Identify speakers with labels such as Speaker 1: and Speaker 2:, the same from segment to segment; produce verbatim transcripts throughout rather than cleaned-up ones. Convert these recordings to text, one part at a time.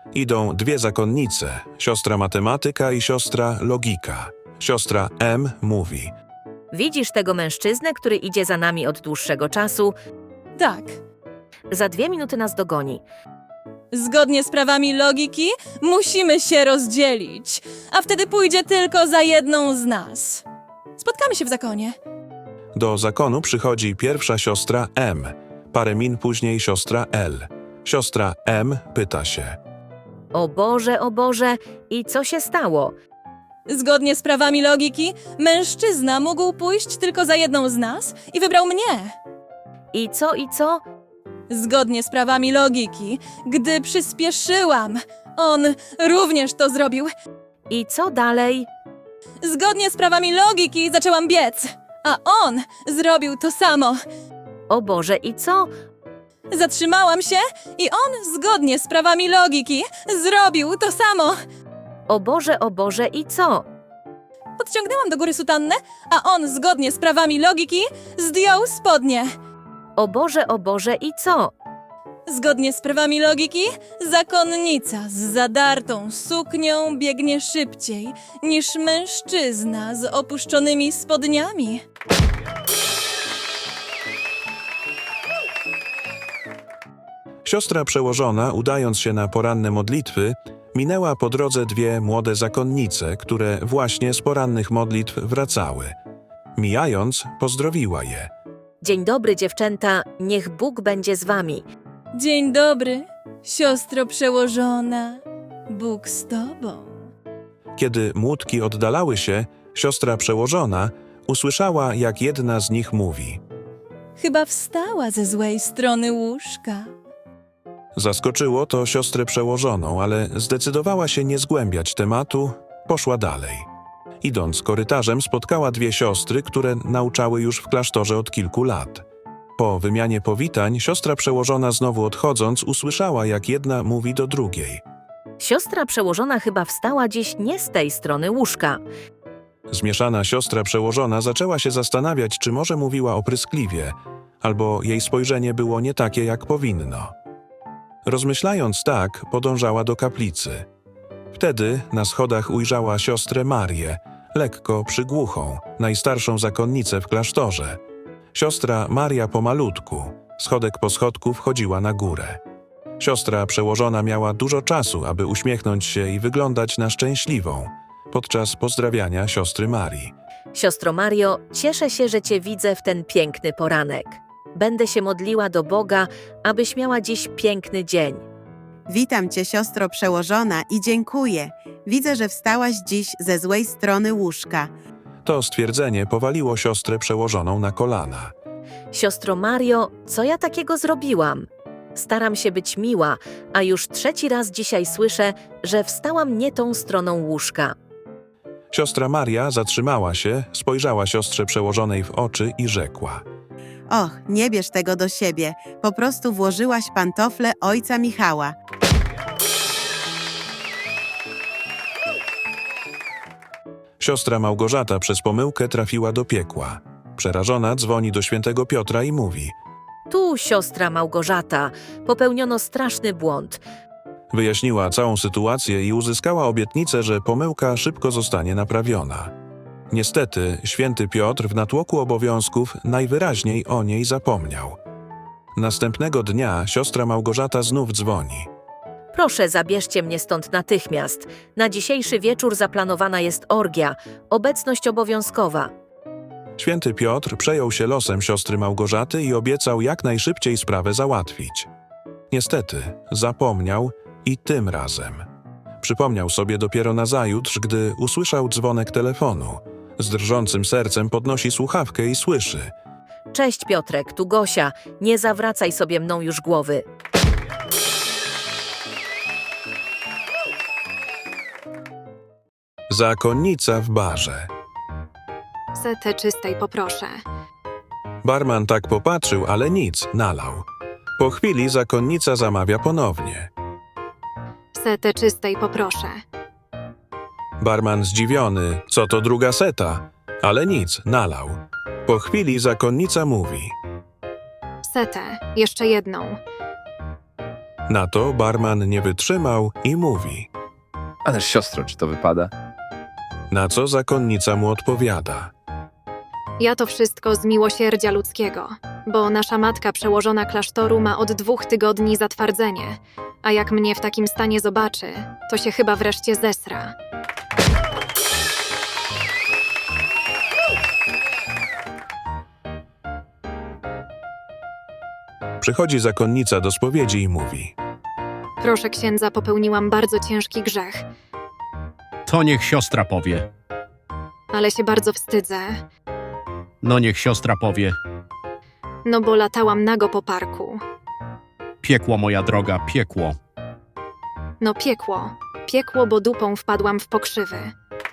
Speaker 1: Idą dwie zakonnice, siostra matematyka i siostra logika. Siostra M mówi:
Speaker 2: Widzisz tego mężczyznę, który idzie za nami od dłuższego czasu?
Speaker 3: Tak.
Speaker 2: Za dwie minuty nas dogoni.
Speaker 3: Zgodnie z prawami logiki musimy się rozdzielić, a wtedy pójdzie tylko za jedną z nas. Spotkamy się w zakonie.
Speaker 1: Do zakonu przychodzi pierwsza siostra M, parę min później siostra L. Siostra M pyta się:
Speaker 2: O Boże, o Boże, i co się stało?
Speaker 3: Zgodnie z prawami logiki mężczyzna mógł pójść tylko za jedną z nas i wybrał mnie.
Speaker 2: I co, i co?
Speaker 3: Zgodnie z prawami logiki, gdy przyspieszyłam, on również to zrobił.
Speaker 2: I co dalej?
Speaker 3: Zgodnie z prawami logiki zaczęłam biec, a on zrobił to samo.
Speaker 2: O Boże, i co?
Speaker 3: Zatrzymałam się i on zgodnie z prawami logiki zrobił to samo.
Speaker 2: O Boże, o Boże, i co?
Speaker 3: Podciągnęłam do góry sutannę, a on zgodnie z prawami logiki zdjął spodnie.
Speaker 2: O Boże, o Boże, i co?
Speaker 3: Zgodnie z prawami logiki, zakonnica z zadartą suknią biegnie szybciej niż mężczyzna z opuszczonymi spodniami.
Speaker 1: Siostra przełożona, udając się na poranne modlitwy, minęła po drodze dwie młode zakonnice, które właśnie z porannych modlitw wracały. Mijając, pozdrowiła je.
Speaker 2: Dzień dobry, dziewczęta, niech Bóg będzie z wami.
Speaker 3: Dzień dobry, siostro przełożona, Bóg z tobą.
Speaker 1: Kiedy młódki oddalały się, siostra przełożona usłyszała, jak jedna z nich mówi.
Speaker 3: Chyba wstała ze złej strony łóżka.
Speaker 1: Zaskoczyło to siostrę przełożoną, ale zdecydowała się nie zgłębiać tematu, poszła dalej. Idąc korytarzem, spotkała dwie siostry, które nauczały już w klasztorze od kilku lat. Po wymianie powitań, siostra przełożona znowu odchodząc, usłyszała, jak jedna mówi do drugiej.
Speaker 2: Siostra przełożona chyba wstała dziś nie z tej strony łóżka.
Speaker 1: Zmieszana siostra przełożona zaczęła się zastanawiać, czy może mówiła opryskliwie, albo jej spojrzenie było nie takie, jak powinno. Rozmyślając tak, podążała do kaplicy. Wtedy na schodach ujrzała siostrę Marię, lekko przygłuchą, najstarszą zakonnicę w klasztorze. Siostra Maria pomalutku, schodek po schodku wchodziła na górę. Siostra przełożona miała dużo czasu, aby uśmiechnąć się i wyglądać na szczęśliwą, podczas pozdrawiania siostry Marii.
Speaker 2: Siostro Mario, cieszę się, że cię widzę w ten piękny poranek. Będę się modliła do Boga, abyś miała dziś piękny dzień.
Speaker 4: Witam cię, siostro przełożona, i dziękuję. Widzę, że wstałaś dziś ze złej strony łóżka.
Speaker 1: To stwierdzenie powaliło siostrę przełożoną na kolana.
Speaker 2: Siostro Mario, co ja takiego zrobiłam? Staram się być miła, a już trzeci raz dzisiaj słyszę, że wstałam nie tą stroną łóżka.
Speaker 1: Siostra Maria zatrzymała się, spojrzała siostrze przełożonej w oczy i rzekła.
Speaker 4: Och, nie bierz tego do siebie. Po prostu włożyłaś pantofle ojca Michała.
Speaker 1: Siostra Małgorzata przez pomyłkę trafiła do piekła. Przerażona dzwoni do świętego Piotra i mówi.
Speaker 2: Tu, siostra Małgorzata, popełniono straszny błąd.
Speaker 1: Wyjaśniła całą sytuację i uzyskała obietnicę, że pomyłka szybko zostanie naprawiona. Niestety, święty Piotr w natłoku obowiązków najwyraźniej o niej zapomniał. Następnego dnia siostra Małgorzata znów dzwoni.
Speaker 2: Proszę, zabierzcie mnie stąd natychmiast. Na dzisiejszy wieczór zaplanowana jest orgia, obecność obowiązkowa.
Speaker 1: Święty Piotr przejął się losem siostry Małgorzaty i obiecał jak najszybciej sprawę załatwić. Niestety, zapomniał i tym razem. Przypomniał sobie dopiero nazajutrz, gdy usłyszał dzwonek telefonu. Z drżącym sercem podnosi słuchawkę i słyszy.
Speaker 2: Cześć Piotrek, tu Gosia, nie zawracaj sobie mną już głowy.
Speaker 1: Zakonnica w barze.
Speaker 5: Setę czystej poproszę.
Speaker 1: Barman tak popatrzył, ale nic, nalał. Po chwili zakonnica zamawia ponownie.
Speaker 5: Setę czystej poproszę.
Speaker 1: Barman zdziwiony, co to druga seta, ale nic, nalał. Po chwili zakonnica mówi.
Speaker 5: Setę, jeszcze jedną.
Speaker 1: Na to barman nie wytrzymał i mówi.
Speaker 6: Ależ siostro, czy to wypada?
Speaker 1: Na co zakonnica mu odpowiada.
Speaker 5: Ja to wszystko z miłosierdzia ludzkiego, bo nasza matka przełożona klasztoru ma od dwóch tygodni zatwardzenie, a jak mnie w takim stanie zobaczy, to się chyba wreszcie zesra.
Speaker 1: Przychodzi zakonnica do spowiedzi i mówi.
Speaker 5: Proszę księdza, popełniłam bardzo ciężki grzech,
Speaker 7: To niech siostra powie.
Speaker 5: ale się bardzo wstydzę,
Speaker 7: No niech siostra powie.
Speaker 5: no bo latałam nago po parku.
Speaker 7: Piekło, moja droga, piekło.
Speaker 5: No piekło, piekło, bo dupą wpadłam w pokrzywy.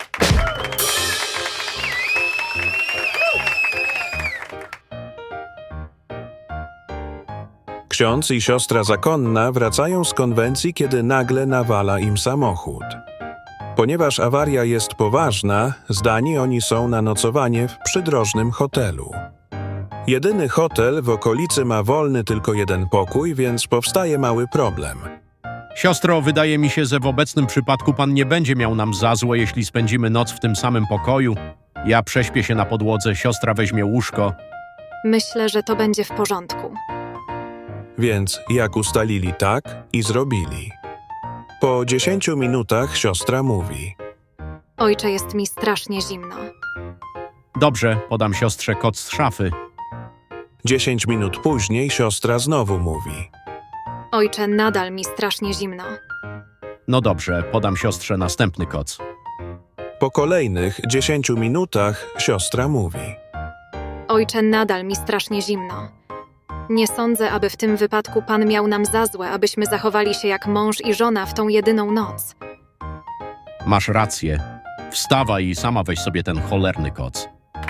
Speaker 1: Ksiądz i siostra zakonna wracają z konwencji, kiedy nagle nawala im samochód. Ponieważ awaria jest poważna, zdani oni są na nocowanie w przydrożnym hotelu. Jedyny hotel w okolicy ma wolny tylko jeden pokój, więc powstaje mały problem.
Speaker 7: Siostro, wydaje mi się, że w obecnym przypadku pan nie będzie miał nam za złe, jeśli spędzimy noc w tym samym pokoju. Ja prześpię się na podłodze, siostra weźmie łóżko.
Speaker 5: Myślę, że to będzie w porządku.
Speaker 1: Więc jak ustalili, tak i zrobili. Po dziesięciu minutach siostra mówi.
Speaker 5: Ojcze, jest mi strasznie zimno.
Speaker 7: Dobrze, podam siostrze koc z szafy.
Speaker 1: Dziesięć minut później siostra znowu mówi.
Speaker 5: Ojcze, nadal mi strasznie zimno.
Speaker 7: No dobrze, podam siostrze następny koc.
Speaker 1: Po kolejnych dziesięciu minutach siostra mówi.
Speaker 5: Ojcze, nadal mi strasznie zimno. Nie sądzę, aby w tym wypadku Pan miał nam za złe, abyśmy zachowali się jak mąż i żona w tą jedyną noc.
Speaker 7: Masz rację. Wstawaj i sama weź sobie ten cholerny koc.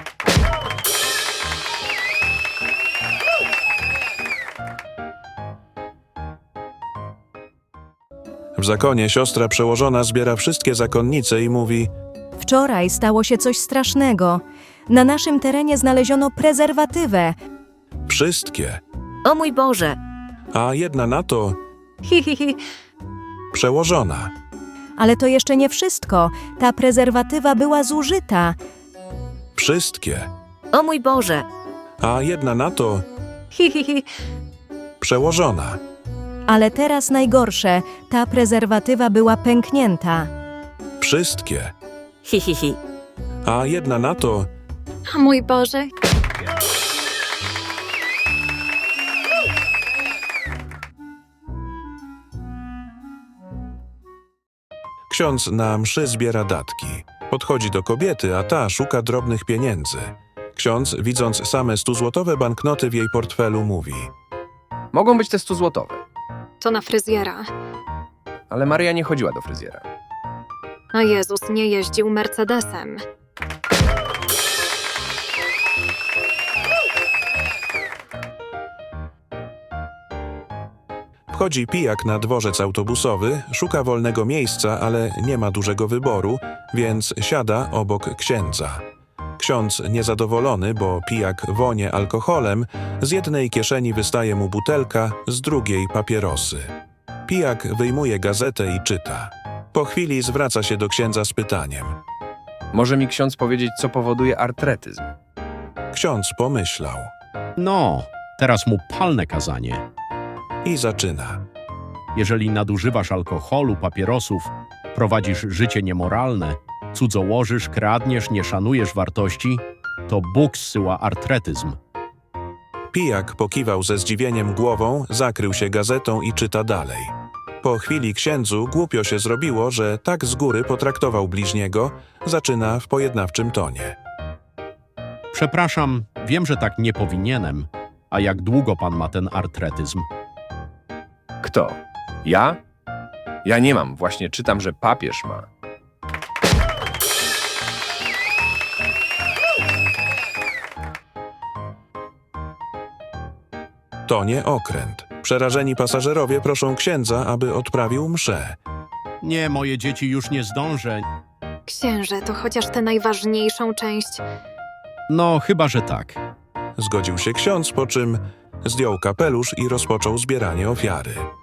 Speaker 1: W zakonie siostra przełożona zbiera wszystkie zakonnice i mówi.
Speaker 8: Wczoraj stało się coś strasznego. Na naszym terenie znaleziono prezerwatywę.
Speaker 1: Wszystkie.
Speaker 2: O mój Boże!
Speaker 1: A jedna na to
Speaker 8: Hi, hi, hi.
Speaker 1: przełożona.
Speaker 8: Ale to jeszcze nie wszystko. Ta prezerwatywa była zużyta.
Speaker 1: Wszystkie.
Speaker 2: O mój Boże!
Speaker 1: A jedna na to
Speaker 8: Hi, hi, hi.
Speaker 1: przełożona.
Speaker 8: Ale teraz najgorsze. Ta prezerwatywa była pęknięta.
Speaker 1: Wszystkie.
Speaker 2: Hi, hi, hi.
Speaker 1: A jedna na to
Speaker 5: O mój Boże!
Speaker 1: ksiądz na mszy zbiera datki. Podchodzi do kobiety, a ta szuka drobnych pieniędzy. Ksiądz, widząc same stuzłotowe banknoty w jej portfelu, mówi.
Speaker 6: Mogą być te stuzłotowe,
Speaker 5: To na fryzjera.
Speaker 6: ale Maria nie chodziła do fryzjera.
Speaker 5: A Jezus nie jeździł Mercedesem.
Speaker 1: Wchodzi pijak na dworzec autobusowy, szuka wolnego miejsca, ale nie ma dużego wyboru, więc siada obok księdza. Ksiądz niezadowolony, bo pijak wonie alkoholem, z jednej kieszeni wystaje mu butelka, z drugiej papierosy. Pijak wyjmuje gazetę i czyta. Po chwili zwraca się do księdza z pytaniem.
Speaker 6: Może mi ksiądz powiedzieć, co powoduje artretyzm?
Speaker 1: Ksiądz pomyślał
Speaker 7: No, teraz mu palne kazanie.
Speaker 1: i zaczyna.
Speaker 7: Jeżeli nadużywasz alkoholu, papierosów, prowadzisz życie niemoralne, cudzołożysz, kradniesz, nie szanujesz wartości, to Bóg zsyła artretyzm.
Speaker 1: Pijak pokiwał ze zdziwieniem głową, zakrył się gazetą i czyta dalej. Po chwili księdzu głupio się zrobiło, że tak z góry potraktował bliźniego, zaczyna w pojednawczym tonie.
Speaker 7: Przepraszam, wiem, że tak nie powinienem. A jak długo pan ma ten artretyzm?
Speaker 6: Kto? Ja? Ja nie mam, właśnie czytam, że papież ma.
Speaker 1: To nie okręt. Przerażeni pasażerowie proszą księdza, aby odprawił mszę.
Speaker 7: Nie, moje dzieci, już nie zdążę.
Speaker 5: Księże, to chociaż tę najważniejszą część.
Speaker 7: No, chyba, że tak.
Speaker 1: Zgodził się ksiądz, po czym zdjął kapelusz i rozpoczął zbieranie ofiary.